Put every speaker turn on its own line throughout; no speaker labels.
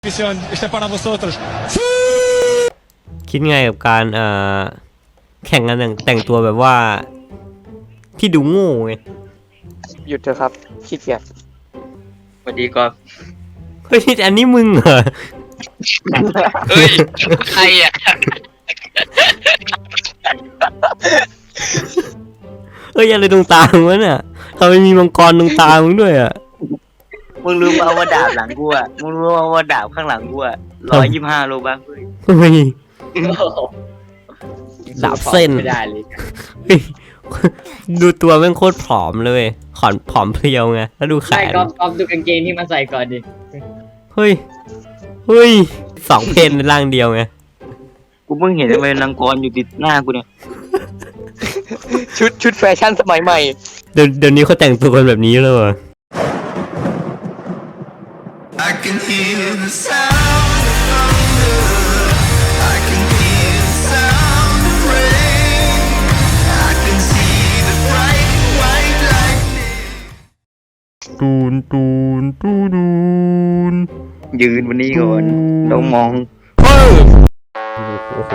Este para vosotros.
คิดไงกับการแข่งกันแต่งตัวแบบว่าที่ดูโง่ไง
หยุดเถอะครับขี้เกียจ
สวัสดีก่อน
เฮ้ยอันนี้มึงเหรอ
เฮ้ย ใครอ่ะ
เฮ้ยอะไรตรงตามึงวะเนี่ยทำไมมีมังกรตรงตามึงด้วยอ่ะ
มึงรู้ป่าวว่าดาบหลังกูอ่ะ มึงรู้ป่าวว่าดาบข้างหลังกูอ่ะ125 โลบัคเฮ้ย
เฮ้ยดาบเส้น
ไม่ได้เลย
เฮ้ยดูตัวแม่งโคตรผอมเลยผอมเพรียวไงแล้วดูแข
ใช่
น
ก๊อฟดูกางเกงที่มันใส่ก่อนดิ
เฮ้ยสองเพนในร่างเดียวไง
กูเพิ่งเห็นทำไมนางกรอยู่ติดหน้ากูเนี่ย
ชุดแฟชั่นสมัยใหม่
เดี๋ยวนี้เขาแต่งตัวกันแบบนี้เลยเหรอ
I can hear the sound of thunder. I can hear the sound of rain. I can see the bright white lightning.
ตูน
ยืนวันนี้ก่อนต้องมอง
เฮ้ยโอ้โห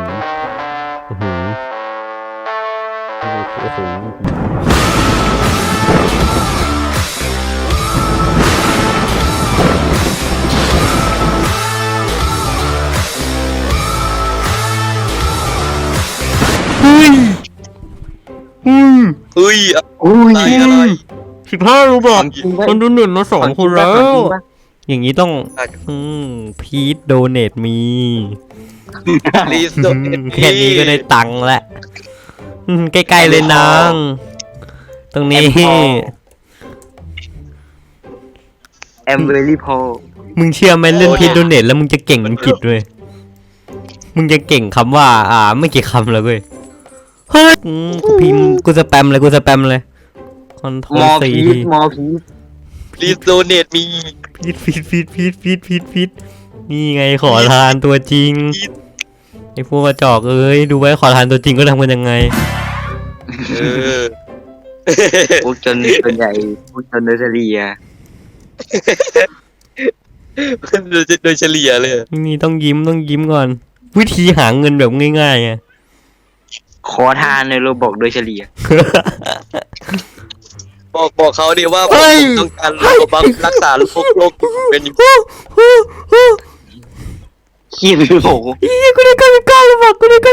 เฮ้ย
เฮ้ย อะไร
15 รูบอก
จริงปะ
คนดูหนึ่งมา2 คนแล้ว
จริงปะ
อย่างนี้ต้องพีทโดเนทมี
รีสโต
แค่นี้ก็ได้ตังค์แล้วใกล้ๆเลยนางตรงนี้
แอมเบอรี่พอ
มึงเชื่อไหมเล่นพีทโดเนทแล้วมึงจะเก่งอังกฤษด้วยมึงจะเก่งคำว่าไม่กี่คำแล้วเว้ยเฮ้ยกูพิมพ์กูสแปมเลยคอนโทร
ม
ล
อ
ซี
พีทมอพีท
รีสโดเนตมี
พีทนี่ไงขอทานตัวจริงไอ้พวกกระจอกเอ้ยดูไว้ขอทานตัวจริงก็ทำกันยังไง
เออ
พวกจนส่วนใหญ่พวกจนเนอร์เซอรี่อ่ะ
โดยเฉลี่ยเลย
นี่ต้องยิ้มก่อน วิธีหาเงินแบบง่ายๆไง
ขอทานในโรบอกโดยเฉลี่ย
บอกเขาดิว่า
เฮ้ย
ต้องการบังรักษาโรคเป็นอยู่
ขี้หรือโห
กูได้99 แล้วบอก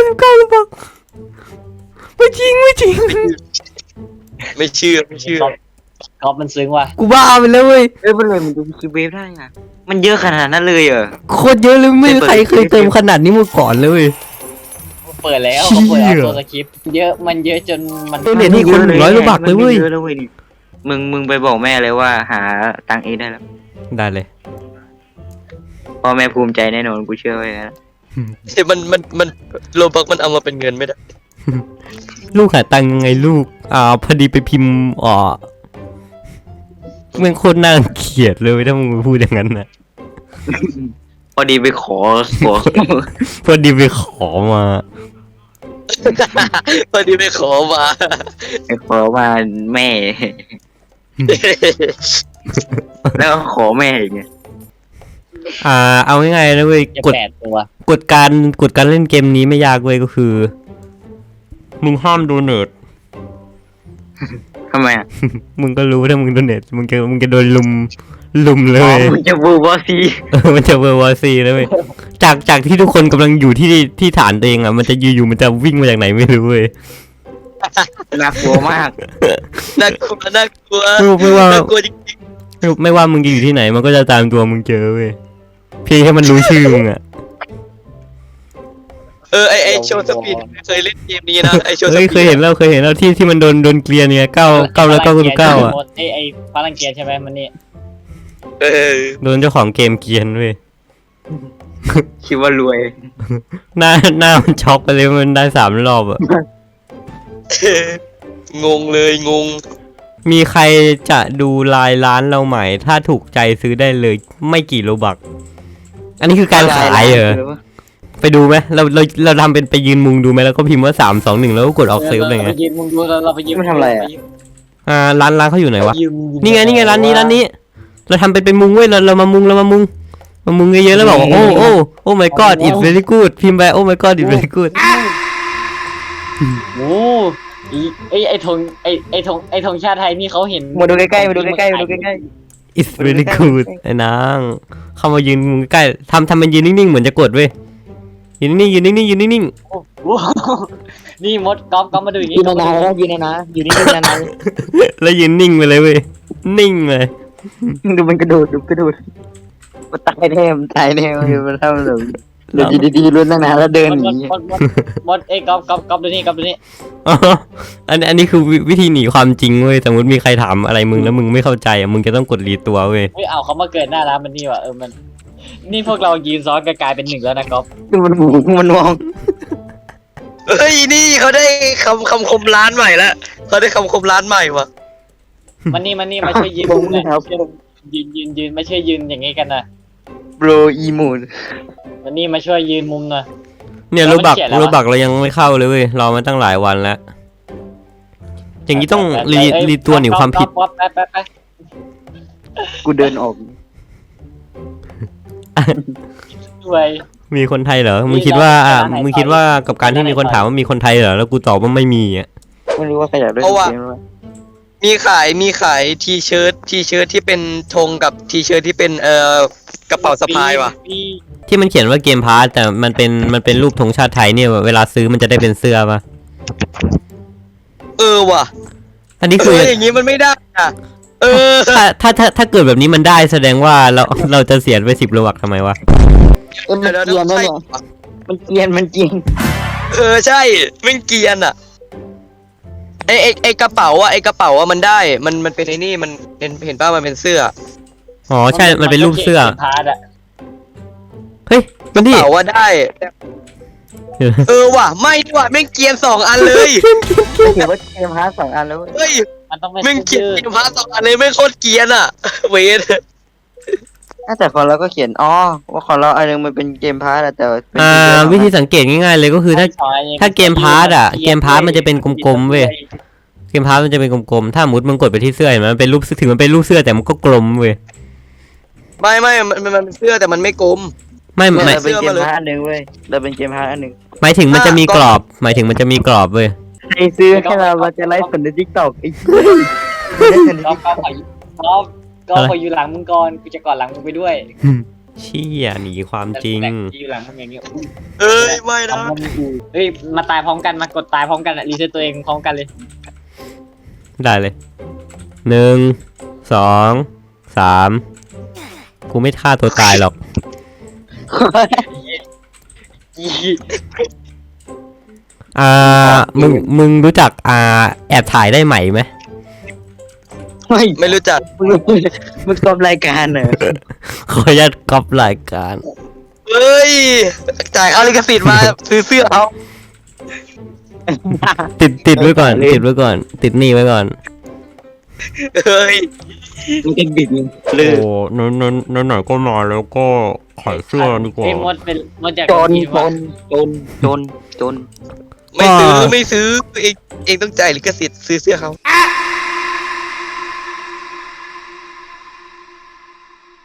ไม่จริง
ไม่เชื่อ
ก๊อฟมันซึ้งว่ะ
กูบ้าไปแล้วเว้ย
เอ้ยมันเลยมันดูคิวเวฟได้อ่ะมันเยอะขนาดนั้นเลยเหรอ
โคตรเยอะเลยไม่มีใครเคยเติมขนาดนี้มาก่อนเลยเว้ย
เปิดแล้ว
เชี่ย
เขาเปิดเอาตัวสคริปต์เยอะมันเยอะจนมัน
โดเนทนี่คน100 รูบักเลยเว้ย
มันเยอะแล้วเว้ยมึงไปบอกแม่เลยว่าหาตังค์เองได้แล้ว
ได้เลย
พ่อแม่ภูมิใจแน่นอนกูเชื่อไว้นะ
มันโลบักมันเอามาเป็นเงินไม่ได้
ลูกหาตังค์ยังไงลูกพอดีไปพิมพ์มึงโคตรน่าเกลียดเลยถ้ามึงพูดอย่างนั้นนะ
พอดีไปขอ
พอดีไปขอมา
พอดีไปขอมา
ไปขอมาแม่ แล้วก็ขอแม่อีกไง
เอาง่ายๆนะเว้ย
จะ
กฎ
8 ตัว
กฎการเล่นเกมนี้ไม่ยากเว้ยก็คือ มึงห้ามโดเนท
ทำไมอ่ะ
มึงก็รู้ถ้ามึงโดเนทมึงจะโดนลุมเล
อ๋อย มึงจะบูบอซี
มันจะเวอร์วอซีเลยเว้ยจากที่ทุกคนกำลังอยู่ที่ฐานตัวเองมันจะอยู่มันจะวิ่งมาจากไหนไม่รู้เว้ย
น่ากลัวมาก
น่ากลัว
ไม่ว่า
น่ากลัวจริง
ไม่ว่ามึงจะอยู่ที่ไหนมันก็จะตามตัวมึงเจอเว้ยเพียงแค่มันรู้ชื่อมึงอะ
ๆไอโชว์สปีดเคยเล่นเกมนี้นะไอโชว์ส
เฮ้ย
ปีด
เคยเห็นแล้วที่มันโดนเกลียร์เนี่ย9แล้ว9 อ่ะ
ไอ้พลังเกียร์ใช่ไหมมันนี่
เออ
โดนเจ้าของเกมเกลียนเว้ย
คิดว่ารวย
หน้ามันช็อกไปเลยมันได้3 รอบอะ
งงเลยงง
มีใครจะดูลายร้านเราใหม่ถ้าถูกใจซื้อได้เลยไม่กี่โลบักอันนี้คือการขายเหรอไปดูไหมเราทำเป็นไปยืนมุงดูไหมแล้วก็พิมพ์ว่า3 2 1แล้วก็กดออกเซฟอะไร
เรา
เงี้
ไป
ย
ยืนมึงดูเราไปยืน
มันทำอะไรอ่ะ
ร้านเขาอยู่ไหนวะ
ยื
นี่ไงร้านนี้เราทำเป็นมุงเว้ยเรามามุงมึงเยอะๆแล้วบอกว่าโอ้ my god it's very good พิมพ์ไปโอ้ my god it's very good
โอ้ไอ้ธงไอ้ธงชาติไทยนี่เขาเห็น
มาดูใกล้ๆมาดูใกล้ๆมาดูใกล้
it's very good ไอ้นางเข้ามายืนมึงใกล้ทำมันยืนนิ่งๆเหมือนจะกดเว้ยยืนนิ่งๆยืนนิ่งๆยืนนิ่ง
โอ้โหนี่มดก๊อฟมาดูอย่าง
ๆ
งี้
ยืนนานๆแล้วยืนนานๆอยู่นี่ยืนนาน
ๆแล้วยืนนิ่งไปเลยเว้ยนิ่งเลย
ๆดูมันกระโดดดูกระโดดมันตายแน่มันตายแน่มันทำแบบเดี๋ยวดีๆลุ้นตั้งนานแล้วเดินหนี
มดไอ้ก๊อฟดูนี่
อ๋ออันนี้คือวิธีหนีความจริงเว้ยสมมติมีใครถามอะไรมึงแล้วมึงไม่เข้าใจอ่ะมึงจะต้องกดรีตัวเว้ย
เฮ้ยเอาเขามาเกิดหน้าร้านมันนี่ว่ะมันนี่พวกเรายืนซ้อนกันกลายเป็นหนึ่งแล้วนะก๊อฟ
มันหมูมันมอง
เฮ้ยนี่เขาได้คำคมร้านใหม่แล้วเขาได้คำคมร้านใหม่ว่ะ
มันนี่มาช่วยยืนมุมเลยยืนไม่ช่วยยืนอย่างงี้กันนะ
โบรอีมูน
มันนี่มาช่วยยืนมุมหน่อย
เนี่ย
แล้ว
รู
มัน
บัก
เขียนแล้ว
รูบักเรายังไม่เข้าเลยเว้ยรอมาตั้งหลายวันแล้วอย่างนี้ต้องรีตัวหนีความผิด
ก๊อฟไป
กูเดินออก
ด้วย
มีคนไทยเหรอ
มี
มึงคิดว่า
ร้านไหน
มึงคิดว่ากับการที่
ร้านไหน
มีคนถามว่ามีคนไทยเหรอแล้วกูตอบว่าไม่มีอ่ะ
ไม่รู้ว่าใครอยากได้
เพราะว่า
เกมวะ
มีขายทีเชิ้ตที่เป็นธงกับทีเชิ้ตที่เป็นกระเป๋าสะพายว่ะ
ที่มันเขียนว่าเกมพาร์ตแต่มันเป็นรูปธงชาติไทยเนี่ยเวลาซื้อมันจะได้เป็นเสื้อปะ
ว่ะ
อันนี้คือ
อย่างงี้มันไม่ได้อ่ะ
ถ้าเกิดแบบนี้มันได้แสดงว่าเราจะเสียไป10 โลบักทำไมวะ
มันเกรียนนะเนี่ยมันเกรียน
ใช่มันเกรียนอ่ะไอกระเป๋าอ่ะมันได้มันเป็นไอ้นี่มันเห็นป่ะมันเป็นเสื้อ
อ๋อใช่มันเป็นรูปเสื้อ
พาร์ทอะ
เฮ้ยมัน
ก
ดิ
ระเป๋าว่าได้ว่ะไม่ว่ะแม่งเกรียน2 อันเลย
ถือว่าเกมฮาร์ด2 อันแล้ว
เฮ้ย
มันต้องเป็น
แม่งเกรียน
ชื่อ
เกมพาร์ท2 อันเลยไม่งโคตรเกรียนอ่ะเวท
แต่ของเราก็เขียนว่าของเราอันนึงมันเป็นเกมพาร์ทแต่เป็น
วิธีสังเกตง่ายๆเลยก็คือถ้าเกมพาร์ตอะเกมพาร์ตมันจะเป็นกลมๆเว้ยเกมพาร์ตมันจะเป็นกลมๆถ้าสมมติมึงกดไปที่เสื้อเห็นไหมมันเป็นรูปถึงมันเป็นรูปเสื้อแต่มันก็กลมเว้ย
ไม่มันเป็นเสื้อแต่มันไม่กลม
ไม่
เราเป็นเกมพาร์ทอันนึงเว้ยเราเป็นเกมพาร์ทอันนึง
หมายถึงมันจะมีกรอบหมายถึงมันจะมีกรอบเว้ย
ใครซื้อให้เราจะไลฟ์สดในทิกตอกไอ้
ก็ขออยู่หลังมึงก่อนกูจะกอดหลังมึงไปด้วย
เชี่ยหนีความจริง
แต่อยู่หลังมึงอย่างเงี้ย
ไม่นะ
เฮ้ยมาตายพร้อมกันมากดตายพร้อมกันอะรีเซ็ตตัวเองพร้อมกันเลย
ได้เลย1 2 3กูไม่ฆ่าตัวตายหรอกมึงรู้จักแอบถ่ายได้ไหมไหม
ไม่รู้จัก
มึงกอบรายการเหรอ
ขออนุญาตก๊อปรายการ
เฮ้ยจ่ายค่าลิขสิทธิ์มาซื้อเสื้อเขา
ติดไว้ก่อนติดไว้ก่อน ติดหนี้ไว้ก่อน
เฮ้ย
มึงจะบิดมึง
โอ้หน่อยก็มาแล้วก็ขายเสื้อดีกว่า
เอ้ยมดจาก
จน
ที่ว่า
ไม่ซื้อเองต้องจ่ายลิขสิทธิ์ซื้อเสื้อเขา